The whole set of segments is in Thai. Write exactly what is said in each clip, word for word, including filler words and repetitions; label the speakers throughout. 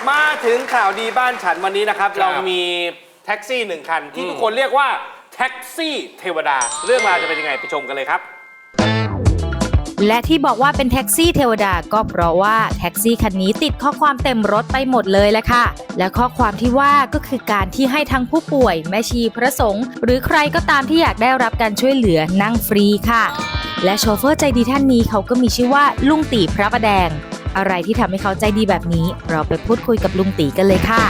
Speaker 1: มาถึงข่าวดีบ้านฉันวันนี้นะครับเรามีแท็กซี่หนึ่งคันที่ทุกคนเรียกว่าแท็กซี่เทวดาเรื่องราวจะเป็นยังไงไปชมกันเลยครับ
Speaker 2: และที่บอกว่าเป็นแท็กซี่เทวดาก็เพราะว่าแท็กซี่คันนี้ติดข้อความเต็มรถไปหมดเลยแหละค่ะและข้อความที่ว่าก็คือการที่ให้ทั้งผู้ป่วยแม่ชีพระสงฆ์หรือใครก็ตามที่อยากได้รับการช่วยเหลือนั่งฟรีค่ะและโชเฟอร์ใจดีท่านนี้เขาก็มีชื่อว่าลุงตีพระประแดงอะไรที่ทำให้เขาใจดีแบบนี้เราไปพูดคุยกับลุงตีกันเลยค่ะ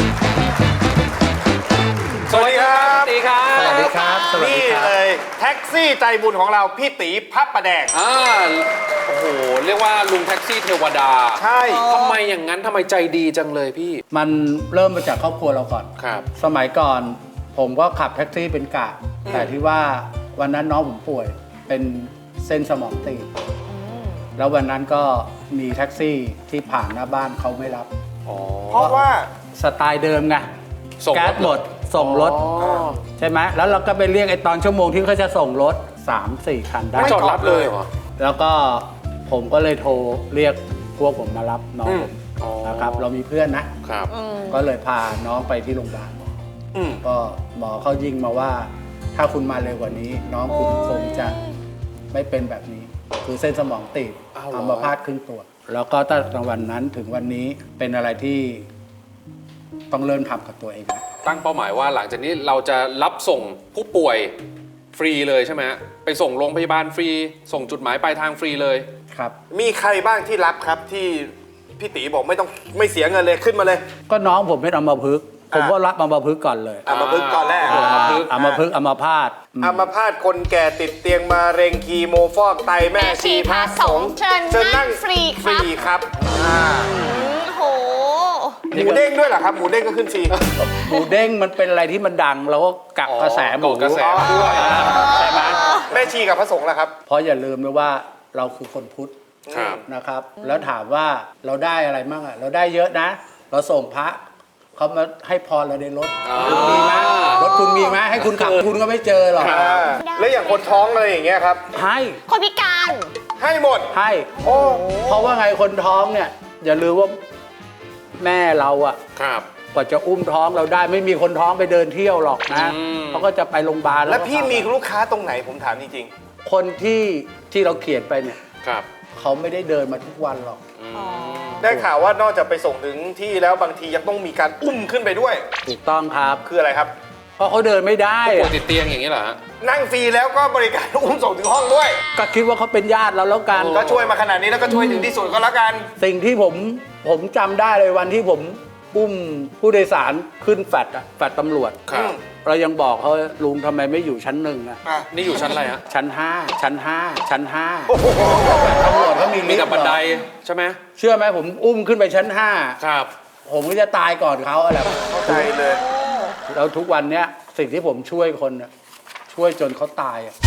Speaker 1: สวัสดีครับตีครับ
Speaker 3: สวัสดีครับ
Speaker 1: นี่เลยแท็กซี่ใจบุญของเราพี่ตีพระประแดง
Speaker 3: อ่าโอ้โหเรียกว่าลุงแท็กซี่เทวดา
Speaker 1: ใช่
Speaker 3: ทำไมอย่างนั้นทำไมใจดีจังเลยพี่
Speaker 4: มันเริ่มมาจากครอบครัวเราก่อน
Speaker 3: ครับ
Speaker 4: สมัยก่อนผมก็ขับแท็กซี่เป็นกะแต่ที่ว่าวันนั้นน้องผมป่วยเป็นเส้นสมองตีบแล้ววันนั้นก็มีแท็กซี่ที่ผ่านหน้าบ้านเขาไม่รับ
Speaker 1: เพราะว่า
Speaker 4: สไตล์เดิมไงแก๊สหมดส่งรถใช่ไหมแล้วเราก็ไปเรียกไอ้ตอนชั่วโมงที่เขาจะส่งรถ สามสี่ คันได้
Speaker 3: ไม่จอดรับเลยเหรอ
Speaker 4: แล้วก็ผมก็เลยโทรเรียกพวกผมมารับน้องผมนะครับเรามีเพื่อนนะครับก็เลยพาน้องไปที่โรงพยาบาลก็หมอเขายิงมาว่าถ้าคุณมาเร็วกว่านี้น้องคุณคงจะไม่เป็นแบบนี้คือเส้นสมองตีบอัมพาตครึ่งตัวแล้วก็ตั้งแต่วันนั้นถึงวันนี้เป็นอะไรที่ต้องเริ่มทำกับตัวเอง
Speaker 3: ตั้งเป้าหมายว่าหลังจากนี้เราจะรับส่งผู้ป่วยฟรีเลยใช่ไหมไปส่งโรงพยาบาลฟรีส่งจุดหมายปลายทางฟรีเลย
Speaker 4: ครับ
Speaker 1: มีใครบ้างที่รับครับที่พี่ตีบอกไม่ต้องไม่เสียเงินเลยขึ้นมาเลย
Speaker 4: ก็น้องผมเป็นอัมพฤกษ์ผมก็รับอัมพฤกษ์ก่อนเลย
Speaker 1: อัมพฤกษ์ก่อนแรก
Speaker 4: อัมพฤกษ์อัมพฤกษ์อัมพาต
Speaker 1: อัมพาตคนแก่ติดเตียงมะเร็งคีโมฟอกไตแม่ชีพระสงฆ์
Speaker 5: เชิญนั่งฟรี
Speaker 1: ฟรีครับ
Speaker 5: โห
Speaker 1: หมูเด้งด้วยเหรอครับหมูเด้งก็ขึ้นฟรี
Speaker 4: หมูเด้งมันเป็นอะไรที่มันดังเราก็กักกระแสหมู
Speaker 3: กระแสด้วย
Speaker 1: ใช่ไหมแม่ชีกับพระสงฆ์ล่ะครับ
Speaker 4: เพราะอย่าลืมนะว่าเราคือคนพุทธนะครับแล้วถามว่าเราได้อะไรมั่งอ่ะเราได้เยอะนะเราส่งพระเขามาให้พรเราในรถคุณมีไหมรถคุณมีไหมให้คุณขับคุณก็ไม่เจอหรอก
Speaker 1: แล้วอย่างคนท้องอะไรอย่างเงี้ยครับ
Speaker 4: ให้
Speaker 5: คนพิการ
Speaker 1: ให้หมด
Speaker 4: ให้โอ้เพราะว่าไงคนท้องเนี่ยอย่าลืมว่าแม่เราอะกว่าจะอุ้มท้องเราได้ไม่มีคนท้องไปเดินเที่ยวหรอกนะเขาก็จะไปโรงพยาบาล
Speaker 1: แล้วพี่มีลูกค้าตรงไหนผมถามจริง
Speaker 4: ๆคนที่ที่เราเขียนไปเนี่ย
Speaker 3: ครับ
Speaker 4: เขาไม่ได้เดินมาทุกวันหรอก
Speaker 1: ได้ข่าวว่านอกจากไปส่งถึงที่แล้วบางทียังต้องมีการอุ้มขึ้นไปด้วย
Speaker 4: ถูกต้องครับ
Speaker 1: คืออะไรครับ
Speaker 4: เพราะเขาเดินไม่ได้
Speaker 3: ปวดติดเตียงอย่างนี้เหรอ
Speaker 1: นั่งฟรีแล้วก็บริการอุ้มส่งถึงห้องด้วย
Speaker 4: ก็คิดว่าเขาเป็นญาติเราแล้วกัน
Speaker 1: ก็ช่วยมาขนาดนี้แล้วก็ช่วยถึงที่สุดก็แล้วกัน
Speaker 4: สิ่งที่ผมผมจำได้เลยวันที่ผมอุ้มผู้โดยสารขึ้นแฟลตอะแฟลตตำรวจเรายังบอกเขาลุงทำไมไม่อยู่ชั้นหนึ่งอะ
Speaker 3: นี่อยู่ชั้นอะไรฮะ
Speaker 4: ชั้นห้าชั้นห้าชั้นห้าตำรวจเขามี
Speaker 3: มีแต่บันไดใช่ไหม
Speaker 4: เชื่อไหมผมอุ้มขึ้นไปชั้นห้า
Speaker 3: ครับ
Speaker 4: ผมก็จะตายก่อนเขาอะไร
Speaker 1: เข้าใจเลย
Speaker 4: แล้วทุกวันเนี้ยสิ่งที่ผมช่วยคนอะช่วยจนเขาตายอะ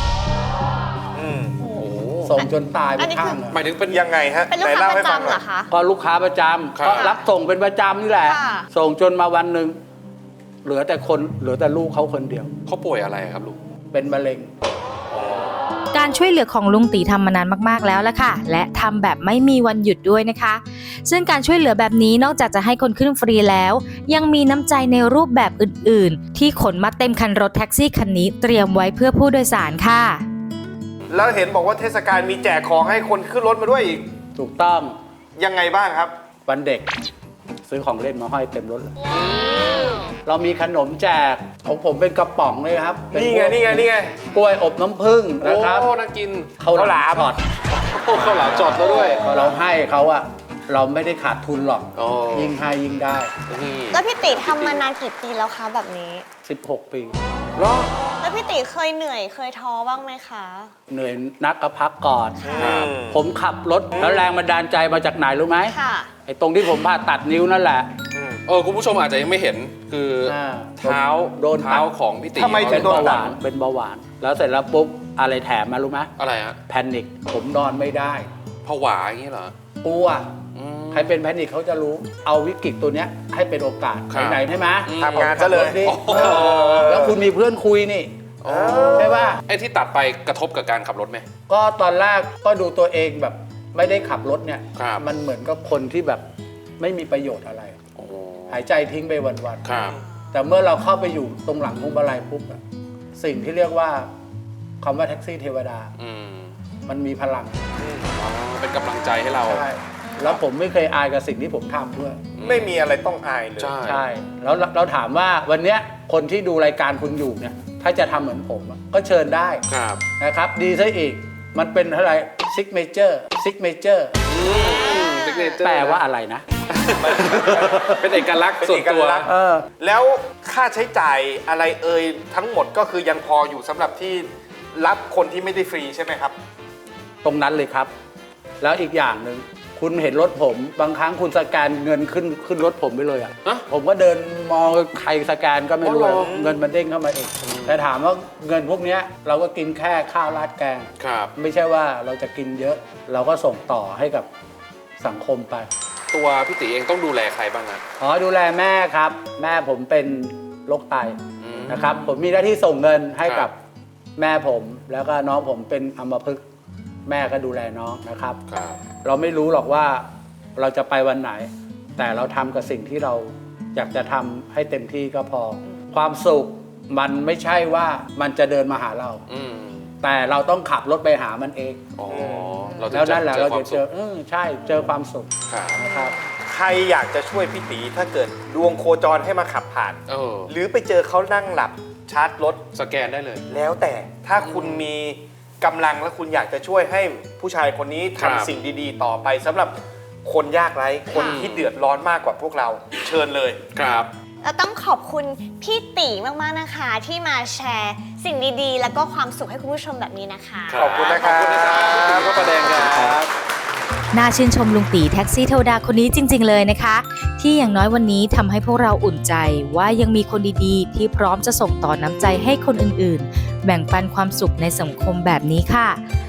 Speaker 4: ส่งจนตายไปข้าง
Speaker 3: หมายถึงเป็น
Speaker 1: ยังไงฮะ
Speaker 5: เป็นลูกค้าประจำเหรอคะ
Speaker 4: ก็ลูกค้าประจำก็รับส่งเป็นประจำนี่แหละส่งจนมาวันหนึ่งเหลือแต่คนเหลือแต่ลูกเขาคนเดียว
Speaker 3: เขาป่วยอะไรครับลูก
Speaker 4: เป็นมะเร็ง
Speaker 2: การช่วยเหลือของลุงตีทำมานานมากๆแล้วละค่ะและทำแบบไม่มีวันหยุดด้วยนะคะซึ่งการช่วยเหลือแบบนี้นอกจากจะให้คนขึ้นฟรีแล้วยังมีน้ำใจในรูปแบบอื่นๆที่ขนมาเต็มคันรถแท็กซี่คันนี้เตรียมไว้เพื่อผู้โดยสารค่ะ
Speaker 1: แล้วเห็นบอกว่าเทศกาลมีแจกของให้คนขึ้นรถมาด้วยอีก
Speaker 4: ถูกต้อง
Speaker 1: ยังไงบ้างครับ
Speaker 4: วันเด็กซื้อของเล่นมาห้อยเต็มรถเลยเรามีขนมแจกของผมเป็นกระป๋องเลยครับ
Speaker 1: นี่ไงนี่ไงนี่ไง
Speaker 4: กล้วยอบน้ำผึ้งนะครับ
Speaker 3: โอ้น่ากิน
Speaker 4: ข้าวหลามจอด
Speaker 3: ข้าวหลามจอดแล้วด้วย
Speaker 4: พอเราให้เขาอะเราไม่ได้ขาดทุนหรอกยิ่งให้ยิ่งได้
Speaker 5: แล้วพี่ติทำมานานกี่ปีแล้วคะแบบนี้
Speaker 4: สิบหกปี
Speaker 5: แล้วพี่ติเคยเหนื่อยเคยท้อบ้างไหมคะ
Speaker 4: เหนื่อยนักก็พักก่อนผมขับรถแล้วแรงบันดาลใจมาจากไหนรู้ไหม
Speaker 5: ค่ะ
Speaker 4: ไอ้ตรงที่ผมผ่าตัดนิ้วนั่นแหละ
Speaker 3: เออคุณผู้ชมอาจจะยังไม่เห็นคือเท้า
Speaker 4: โดน
Speaker 3: เท้าของพี่ติ
Speaker 1: ทำไมถึง
Speaker 4: โดนเบาหวานเป็นเบาหวานแล้วเสร็จแล้วปุ๊บอะไรแถมมารู้ไหม
Speaker 3: อะไรฮะ
Speaker 4: แพนิคผมนอนไม่ได้
Speaker 3: ผวาอย่างนี้เหรอก
Speaker 4: ลัวใครเป็นแพนิคเขาจะรู้เอาวิกฤตตัวเนี้ยให้เป็นโอกาสไหนๆใช่ไหม
Speaker 1: ทำงานซะเลย
Speaker 4: แล้วคุณมีเพื่อนคุยนี่ใช่ป่ะ
Speaker 3: ไอ้ที่ตัดไปกระทบกับการขับรถไหม
Speaker 4: ก็ตอนแรกก็ดูตัวเองแบบไม่ได้ขับรถเนี่ยมันเหมือนกับคนที่แบบไม่มีประโยชน์อะไร
Speaker 3: โอ้
Speaker 4: หายใจทิ้งไปวันๆ
Speaker 3: ครับ
Speaker 4: แต่เมื่อเราเข้าไปอยู่ตรงหลังพวงมาลัยปุ๊บอะสิ่งที่เรียกว่าคำว่าแท็กซี่เทวดา
Speaker 3: อืม
Speaker 4: มันมีพลัง
Speaker 3: อ๋อเป็นกำลังใจให้เรา
Speaker 4: ใช่แล้วผมไม่เคยอายกับสิ่งที่ผมทำด้วย
Speaker 1: ไม่มีอะไรต้องอายเลย
Speaker 3: ใช่
Speaker 4: ใช่แล้วเราเราถามว่าวันเนี้ยคนที่ดูรายการคุณอยู่เนี่ยถ้าจะทำเหมือนผมอะก็เชิญได้
Speaker 3: ครับ
Speaker 4: นะครับ ดีซะอีกมันเป็นอะไรซิกเมเจอร์ซิกเมเจอร์
Speaker 3: signature
Speaker 4: แปลว่าอะไรนะ
Speaker 3: เป็นเอกลักษณ์ส่วนตัว
Speaker 1: เป็นเอกลักษณ์
Speaker 4: เออ
Speaker 1: แล้วค่าใช้จ่ายอะไรเอ่ยทั้งหมดก็คือยังพออยู่สำหรับที่รับคนที่ไม่ได้ฟรีใช่ไหมครับ
Speaker 4: ตรงนั้นเลยครับ แล้วอีกอย่างหนึ่งคุณเห็นรถผมบางครั้งคุณสแกนเงินขึ้นขึ้นรถผมไปเลยอ่ะ
Speaker 3: ฮะ
Speaker 4: ผมก็เดินมองใครสแกนก็ไม่รู้
Speaker 3: อ๋อเหรอ
Speaker 4: เงินมันเด้งเข้ามาเองแต่ถามว่าเงินพวกเนี้ยเราก็กินแค่ข้าวราดแกง
Speaker 3: ครับ
Speaker 4: ไม่ใช่ว่าเราจะกินเยอะ เราก็ส่งต่อให้กับสังคมไป
Speaker 3: ตัวพี่ตีเองต้องดูแลใครบ้างอะ
Speaker 4: อ๋อดูแลแม่ครับ แม่ผมเป็นโรคไต
Speaker 3: อืม
Speaker 4: นะครับ ผมมีหน้าที่ส่งเงินให้
Speaker 3: ครั
Speaker 4: กับบ แม่ผม แล้วก็น้องผมเป็นอัมพฤกษ์แม่ก็ดูแลน้องนะครับ
Speaker 3: ครับ
Speaker 4: เราไม่รู้หรอกว่าเราจะไปวันไหน แต่เราทำกับสิ่งที่เราอยากจะทำให้เต็มที่ก็พอ ความสุขมันไม่ใช่ว่ามันจะเดินมาหาเรา
Speaker 3: อืม
Speaker 4: แต่เราต้องขับรถไปหามันเอง
Speaker 3: อ๋อเราจะ
Speaker 4: แล้วนั่นแหละ
Speaker 3: เจอ
Speaker 4: เรา
Speaker 3: ควา
Speaker 4: จะ
Speaker 3: ม
Speaker 4: เจ
Speaker 3: สุ
Speaker 4: อ
Speaker 3: ข
Speaker 4: เออใช่เจอความสุข
Speaker 3: ครับ
Speaker 4: นะครับ
Speaker 1: ใครอยากจะช่วยพี่ตีถ้าเกิดดวงโคจรให้มาขับผ่าน
Speaker 3: เออ
Speaker 1: หรือไปเจอเขานั่งหลับชาร์จรถ
Speaker 3: สแกนได้เลย
Speaker 1: แล้วแต่ถ้าคุณมีกำลังและคุณอยากจะช่วยให้ผู้ชายคนนี้
Speaker 3: ครับ
Speaker 1: ทำสิ่งดีๆ ต่อไปสำหรับคนยากไร้คนที่เดือดร้อนมากกว่าพวกเราเชิญเลย
Speaker 3: ครับ
Speaker 5: เราต้องขอบคุณพี่ตีมากๆนะคะ ที่มาแชร์สิ่งดีๆ แล้วก็ความสุขให้คุณผู้ชมแบบนี้นะคะ
Speaker 1: ขอบคุณนะครับ
Speaker 3: ขอบคุณนะครับคุณตีพระประแดงครับ
Speaker 2: น่าชื่นชมลุงตีแท็กซี่เทวดาคนนี้จริง ๆ เลยนะคะ ที่อย่างน้อยวันนี้ทำให้พวกเราอุ่นใจว่ายังมีคนดีๆ ที่พร้อมจะส่งต่อน้ำใจให้คนอื่นๆ แบ่งปันความสุขในสังคมแบบนี้ค่ะ